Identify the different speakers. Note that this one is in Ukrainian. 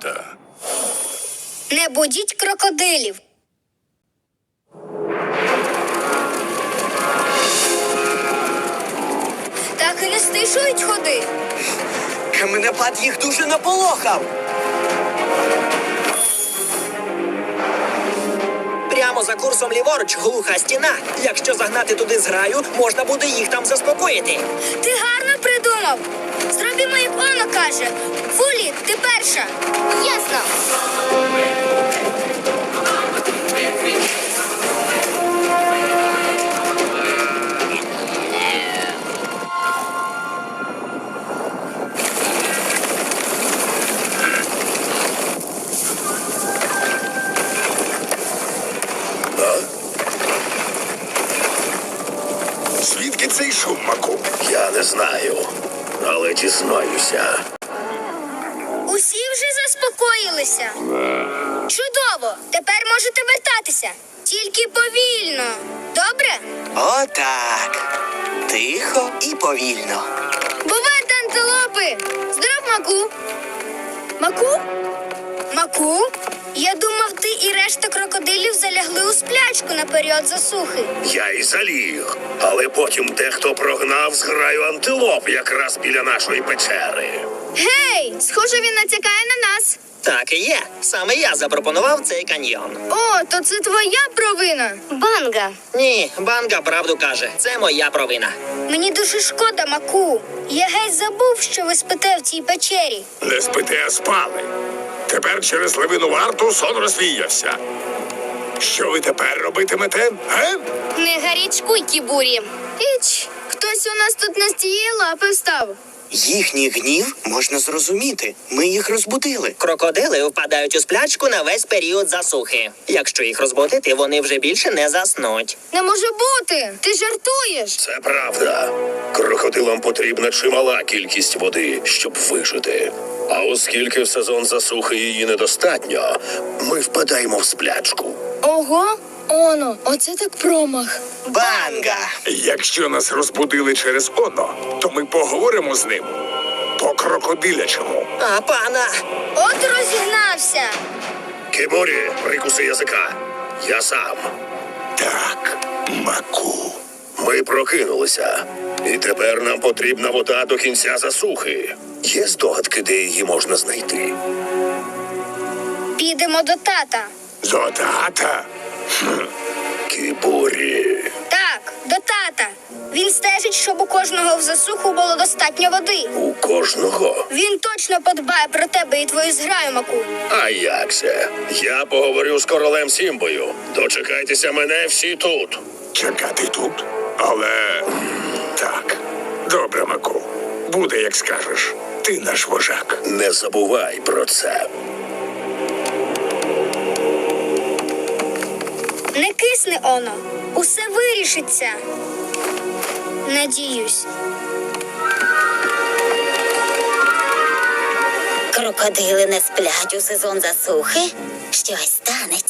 Speaker 1: правда.
Speaker 2: Не будіть крокодилів. Так і не стишують ходи.
Speaker 3: Каменепад їх дуже наполохав. Прямо за курсом ліворуч глуха стіна. Якщо загнати туди зграю, можна буде їх там заспокоїти.
Speaker 2: Ти гарно придумав. Зробімо, як Оно каже. Фулі, ти перша. Ясно.
Speaker 1: Звідки цей шум, Маку? Я не знаю, але дізнаюся.
Speaker 2: Усі вже заспокоїлися. Чудово. Тепер можете вертатися. Тільки повільно. Добре?
Speaker 3: Отак. Тихо і повільно.
Speaker 2: Бувайте, антилопи! Здрав, Маку! Маку? Маку? Я думав, ти і решта крокодилів залягли у сплячку на період засухи.
Speaker 1: Я і заліг, але потім дехто прогнав зграю антилоп якраз біля нашої печери.
Speaker 2: Гей! Схоже, він натякає на нас.
Speaker 3: Так і є. Саме я запропонував цей каньйон.
Speaker 2: О, то це твоя провина. Банга.
Speaker 3: Ні, Банга правду каже. Це моя провина.
Speaker 2: Мені дуже шкода, Маку. Я геть забув, що ви спите в цій печері.
Speaker 1: Не спите, а спали. Тепер через левину варту сон розвіявся. Що ви тепер робитимете, га?
Speaker 2: Не гарячкуй, кібурі. Іч, хтось у нас тут не з тієї лапи встав.
Speaker 3: Їхній гнів можна зрозуміти. Ми їх розбудили. Крокодили впадають у сплячку на весь період засухи. Якщо їх розбудити, вони вже більше не заснуть.
Speaker 2: Не може бути. Ти жартуєш.
Speaker 1: Це правда. Крокодилам потрібна чимала кількість води, щоб вижити. А оскільки в сезон засухи її недостатньо, ми впадаємо в сплячку.
Speaker 2: Ого, Оно, оце так промах.
Speaker 3: Банга!
Speaker 1: Якщо нас розбудили через Оно, то ми поговоримо з ним по-крокодилячому.
Speaker 3: А пана!
Speaker 2: От розігнався.
Speaker 1: Кібурі, прикуси язика. Я сам. Так, Маку. Ми прокинулися. І тепер нам потрібна вода до кінця засухи. Є здогадки, де її можна знайти?
Speaker 2: Підемо до тата.
Speaker 1: До тата? Кібурі.
Speaker 2: Так, до тата. Він стежить, щоб у кожного в засуху було достатньо води.
Speaker 1: У кожного?
Speaker 2: Він точно подбає про тебе і твою зграю, Маку.
Speaker 1: А як же? Я поговорю з королем Сімбою. Дочекайтеся мене всі тут. Чекати тут? Але... Так. Добре, Маку. Буде, як скажеш. Ти наш вожак. Не забувай про це.
Speaker 2: Не кисни, Оно. Усе вирішиться. Надіюсь.
Speaker 4: Крокодили не сплять у сезон засухи? Щось станеться.